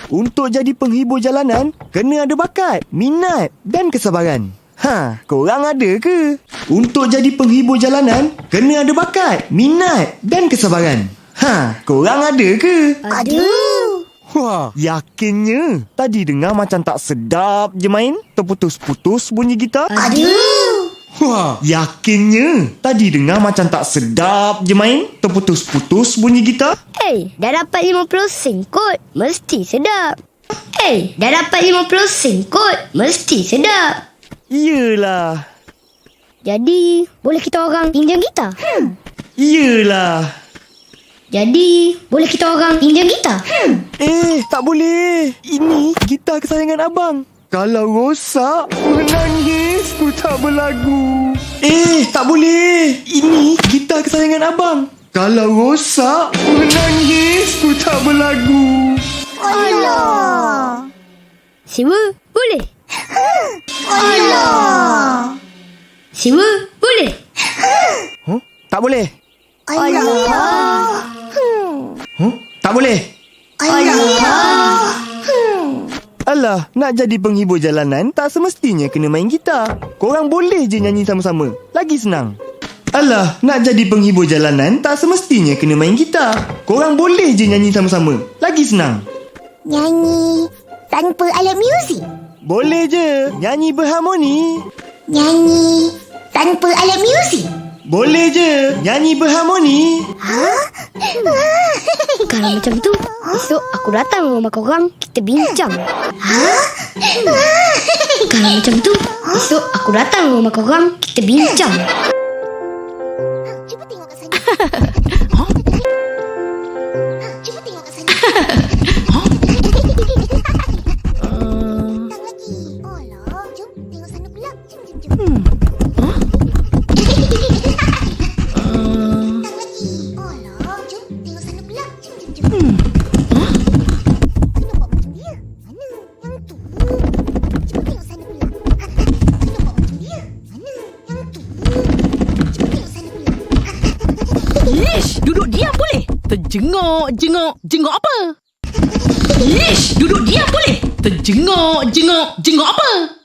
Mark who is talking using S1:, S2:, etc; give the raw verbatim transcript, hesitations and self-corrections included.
S1: Untuk jadi penghibur jalanan, kena ada bakat, minat dan kesabaran. Ha, korang ada ke? Untuk jadi penghibur jalanan, kena ada bakat, minat dan kesabaran. Ha, korang ada ke?
S2: Ada.
S1: Wah, yakinnya. Tadi dengar macam tak sedap je main? Terputus-putus bunyi gitar?
S2: Ada.
S1: Wah, yakinnya. Tadi dengar macam tak sedap je main? Terputus-putus bunyi gitar?
S2: Eh, dah dapat lima puluh sen kot. Mesti sedap. Eh, dah dapat lima puluh sen kot. Mesti sedap.
S1: Iyalah.
S2: Jadi, boleh kita orang pinjam gitar? Hmm.
S1: Iyalah.
S2: Jadi, boleh kita orang pinjam gitar? Hmm.
S1: Eh, tak boleh. Ini gitar kesayangan abang. Kalau rosak, menangis ku tak berlagu. Eh, tak boleh. Ini gitar kesayangan abang. Kalau rosak, menangis ku tak berlagu.
S2: Alah. Siwa, boleh? Alah. Siwa, boleh?
S1: Huh? Tak boleh.
S2: Alah.
S1: Huh? Tak boleh.
S2: Alah.
S1: Alah, nak jadi penghibur jalanan tak semestinya kena main gitar. Korang boleh je nyanyi sama-sama. Lagi senang. Alah, nak jadi penghibur jalanan tak semestinya kena main gitar. Korang boleh je nyanyi sama-sama. Lagi senang.
S3: Nyanyi tanpa alat muzik.
S1: Boleh je. Nyanyi berharmoni.
S3: Nyanyi tanpa alat muzik.
S1: Boleh je. Nyanyi berharmoni.
S2: Kalau macam tu, esok aku datang rumah korang, kita bincang. Kalau macam tu, esok aku datang rumah korang, kita bincang.
S3: Cuba tengok kat sana. Ha? Cuba tengok kat sana. Tang lagi. Alah, jom tengok sana pula. Jom, jom, jom.
S2: Hmm.
S3: Tang lagi. Alah, jom tengok sana pula. Jom, jom, jom.
S2: Hmm.
S3: Aku nampak macam dia. Mana? Yang tu. Cuba tengok sana pula. Ha, aku nampak macam dia. Mana? Yang tu. Cuba tengok sana pula.
S4: Ish, duduk diam boleh? Terjenguk, jenguk, jenguk apa? Ish, duduk diam boleh? Terjenguk, jenguk, jenguk apa?